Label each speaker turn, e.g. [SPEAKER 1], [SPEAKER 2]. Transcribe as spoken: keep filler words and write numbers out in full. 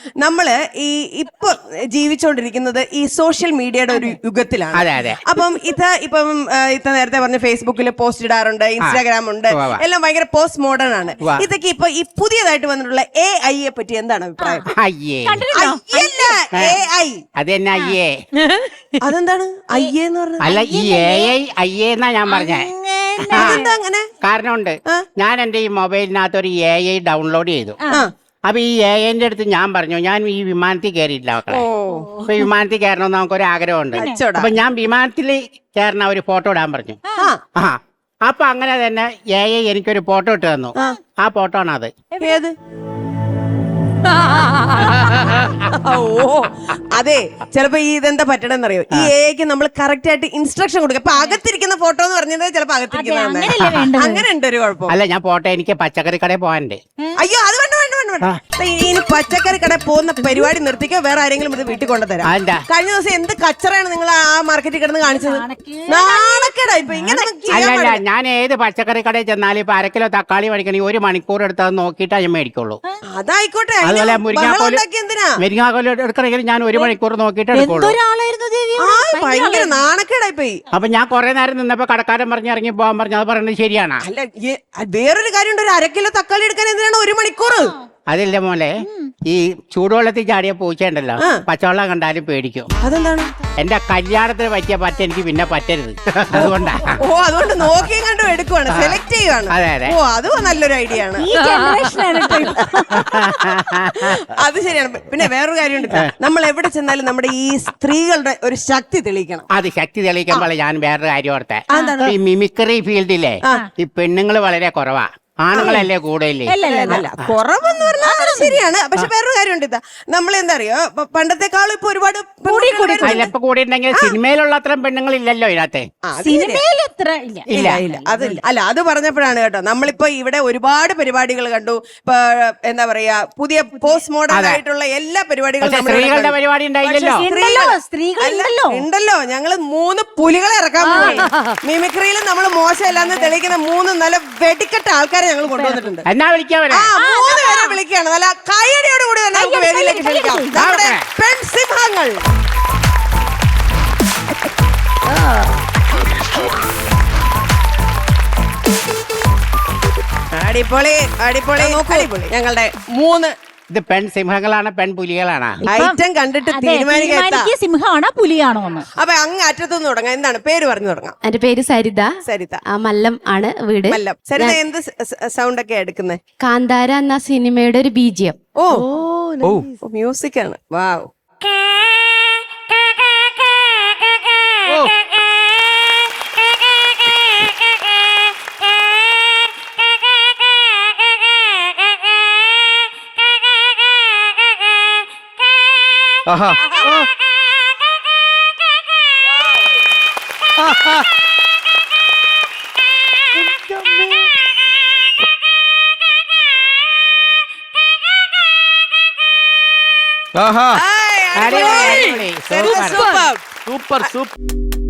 [SPEAKER 1] നമ്മള് ഈ ഇപ്പൊ ജീവിച്ചുകൊണ്ടിരിക്കുന്നത് ഈ സോഷ്യൽ മീഡിയയുടെ ഒരു യുഗത്തിലാണ്.
[SPEAKER 2] അതെ അതെ.
[SPEAKER 1] അപ്പം ഇത് ഇപ്പം ഇത്ത നേരത്തെ പറഞ്ഞ ഫേസ്ബുക്കിൽ പോസ്റ്റ് ഇടാറുണ്ട്, ഇൻസ്റ്റാഗ്രാം ഉണ്ട്, എല്ലാം ഭയങ്കര പോസ്റ്റ് മോഡേൺ ആണ്. ഇതൊക്കെ ഇപ്പൊ ഈ പുതിയതായിട്ട് വന്നിട്ടുള്ള എ ഐയെ പറ്റി എന്താണ് അഭിപ്രായം?
[SPEAKER 2] അതെന്നെ അയ്യേ.
[SPEAKER 1] അതെന്താണ് അയ്യേ എന്ന് പറഞ്ഞത്?
[SPEAKER 2] അല്ല, ഈ എ ഐ അയ്യേ എന്നാ ഞാൻ പറഞ്ഞേ.
[SPEAKER 1] അങ്ങനെ
[SPEAKER 2] കാരണമുണ്ട്. ഞാൻ എന്റെ ഈ മൊബൈലിനകത്ത് ഒരു എ ഐ ഡൗൺലോഡ് ചെയ്തു. അപ്പൊ ഈ എ ഐന്റെ അടുത്ത് ഞാൻ പറഞ്ഞു, ഞാൻ ഈ വിമാനത്തിൽ കയറിയിട്ടില്ല മക്കളെ. അപ്പൊ വിമാനത്തിൽ കയറണമെന്ന് നമുക്കൊരു ആഗ്രഹമുണ്ട്. അപ്പൊ ഞാൻ വിമാനത്തിൽ കയറുന്ന ഒരു ഫോട്ടോ ഇടാൻ പറഞ്ഞു. ആ അപ്പൊ അങ്ങനെ തന്നെ എ ഐ എനിക്കൊരു ഫോട്ടോ ഇട്ട് തന്നു. ആ ഫോട്ടോ ആണ് അത്.
[SPEAKER 1] ഏത്? ഓ അതെ, ചിലപ്പോ ഈ ഇതെന്താ പറ്റണെന്നറിയോ, ഈ എക്ക് നമ്മൾ കറക്റ്റ് ആയിട്ട് ഇൻസ്ട്രക്ഷൻ കൊടുക്കുക. അപ്പൊ അകത്തിരിക്കുന്ന ഫോട്ടോ എന്ന് പറഞ്ഞത് ചിലപ്പോ അകത്തിരിക്കുന്ന അങ്ങനെ ഉണ്ട് ഒരു കുഴപ്പം.
[SPEAKER 2] അല്ല, ഞാൻ ഫോട്ടോ എനിക്ക് പച്ചക്കറി കടയിൽ പോകാനുണ്ട്.
[SPEAKER 1] അയ്യോ അത് വേണ്ട വേണ്ട വേണ്ട വേണ്ട. ഇനി പച്ചക്കറി കടയിൽ പോകുന്ന പരിപാടി നിർത്തിക്കോ, വേറെ ആരെങ്കിലും ഇത് വീട്ടിൽ കൊണ്ടുതരാം. കഴിഞ്ഞ ദിവസം എന്ത് കച്ചറയാണ് നിങ്ങൾ ആ മാർക്കറ്റിൽ കിടന്ന് കാണിച്ചത്. നാണക്കേടാ. ഇപ്പൊ ഇങ്ങനെ
[SPEAKER 2] അല്ല, ഞാൻ ഏത് പച്ചക്കറി കടയിൽ ചെന്നാലും ഇപ്പൊ അരക്കിലോ തക്കാളി മേടിക്കണമെങ്കിൽ ഒരു മണിക്കൂർ എടുത്തത് നോക്കിയിട്ടാ ഞാൻ മേടിക്കുള്ളൂ.
[SPEAKER 1] അതായിക്കോട്ടെ.
[SPEAKER 2] അതുപോലെ മുരിങ്ങാക്കോല് മുരിങ്ങാക്കോല് എടുക്കണമെങ്കിൽ ഞാൻ ഒരു മണിക്കൂർ നോക്കിയിട്ട് എടുക്കുള്ളൂ.
[SPEAKER 1] ഭയങ്കര നാണക്കേടായി പോയി.
[SPEAKER 2] അപ്പൊ ഞാൻ കുറെ നേരം നിന്നപ്പോ കടക്കാരൻ പറഞ്ഞ് ഇറങ്ങി പോകാൻ പറഞ്ഞു. അത് പറയുന്നത് ശരിയാണ്.
[SPEAKER 1] അല്ല, വേറൊരു കാര്യമുണ്ട്. ഒരു അര കിലോ തക്കാളി എടുക്കാൻ എന്തിനാണ് ഒരു മണിക്കൂർ?
[SPEAKER 2] അതില്ല മോനെ, ഈ ചൂടുവെള്ളത്തിൽ ചാടിയ പൂച്ചയുണ്ടല്ലോ, പച്ചവെള്ളം കണ്ടാലും പേടിക്കും.
[SPEAKER 1] അതെന്താണ്?
[SPEAKER 2] എന്റെ കല്യാണത്തിന് പറ്റിയ പറ്റ എനിക്ക് പിന്നെ പറ്റരുത്, അതുകൊണ്ടാ.
[SPEAKER 1] ഓ, അതുകൊണ്ട് നോക്കിയും കണ്ടും എടുക്കുവാണ്, സെലക്ട് ചെയ്യുവാണ്.
[SPEAKER 2] അതെ അതെ.
[SPEAKER 1] ഓ, അതും നല്ലൊരു ഐഡിയ ആണ്. അത് ശരിയാണ്. പിന്നെ വേറൊരു കാര്യമുണ്ട്, നമ്മൾ എവിടെ ചെന്നാലും നമ്മുടെ ഈ സ്ത്രീകളുടെ ഒരു ശക്തി തെളിയിക്കണം.
[SPEAKER 2] അത് ശക്തി തെളിയിക്കുമ്പോൾ ഞാൻ വേറൊരു കാര്യം ഓർത്തെ. ഈ മിമിക്രി ഫീൽഡിലെ ഈ പെണ്ണുങ്ങൾ വളരെ കുറവാ, ആണുങ്ങളല്ലേ കൂടുതലേ.
[SPEAKER 1] അല്ല, കുറവെന്ന് പറഞ്ഞാൽ ശരിയാണ്. പക്ഷെ വേറൊരു കാര്യമുണ്ട്, ഇതാ നമ്മൾ എന്താ അറിയോ, പണ്ടത്തെക്കാളും ഇപ്പൊ ഒരുപാട്
[SPEAKER 2] ഇപ്പൊ കൂടിയിട്ടുണ്ടെങ്കിൽ സിനിമയിലുള്ള അത്രയും പെണ്ണുങ്ങൾ ഇല്ലല്ലോ ഇതിനകത്ത്.
[SPEAKER 1] ഇല്ല ഇല്ല അതില്ല. അല്ല, അത് പറഞ്ഞപ്പോഴാണ് കേട്ടോ, നമ്മളിപ്പോ ഇവിടെ ഒരുപാട് പരിപാടികൾ കണ്ടു. ഇപ്പൊ എന്താ പറയാ, പുതിയ പോസ്റ്റ് മോഡേൺ ആയിട്ടുള്ള എല്ലാ പരിപാടികളും
[SPEAKER 2] സ്ത്രീകളുടെ പരിപാടി ഉണ്ടായില്ലല്ലോ.
[SPEAKER 1] ഉണ്ടല്ലോ. ഞങ്ങള് മൂന്ന് പുലികളെ ഇറക്കാൻ പോയി. മിമിക്രിയിലും നമ്മൾ മോശമല്ലാന്ന് തെളിയിക്കുന്ന മൂന്ന് നല്ല വെടിക്കെട്ട ആൾക്കാരെ ഞങ്ങൾ കൊണ്ടുവന്നിട്ടുണ്ട്.
[SPEAKER 2] എന്നാ വിളിക്കാൻ
[SPEAKER 1] മൂന്ന് പേരെ വിളിക്കുകയാണ്. നല്ല കയ്യടിയോട് കൂടി തന്നെ നമുക്ക് വേദിയിലേക്ക് ക്ഷണിക്കാം നമ്മുടെ പെൺസിംഹങ്ങൾ. അടിപൊളി അടിപൊളി അടിപൊളി. ഞങ്ങളുടെ മൂന്ന്
[SPEAKER 2] ഇത് പെൺസിംഹങ്ങളാണ് പെൺപുലികളാണ്?
[SPEAKER 1] ഐറ്റം കണ്ടിട്ട് തീരുമാനിക്കാം
[SPEAKER 3] സിംഹമാണോ പുലിയാണോ എന്ന്.
[SPEAKER 1] അപ്പൊ അങ്ങ് അറ്റത്തുനിന്ന് തുടങ്ങാം. എന്താണ് പേര് പറഞ്ഞു തുടങ്ങാം?
[SPEAKER 4] എന്റെ പേര് സരിത.
[SPEAKER 1] സരിത.
[SPEAKER 4] മല്ലം ആണ് വീട്.
[SPEAKER 1] മല്ലം. സരിത എന്ത് സൗണ്ട് ഒക്കെ എടുക്കുന്നത്?
[SPEAKER 4] കാന്താര എന്ന സിനിമയുടെ ഒരു ബീജിയം.
[SPEAKER 1] ഓ മ്യൂസിക് ആണ്. വാവ്.
[SPEAKER 5] ആഹാ. ആഹാ.
[SPEAKER 2] അടിപൊളി,
[SPEAKER 5] സൂപ്പർ സൂപ്പർ.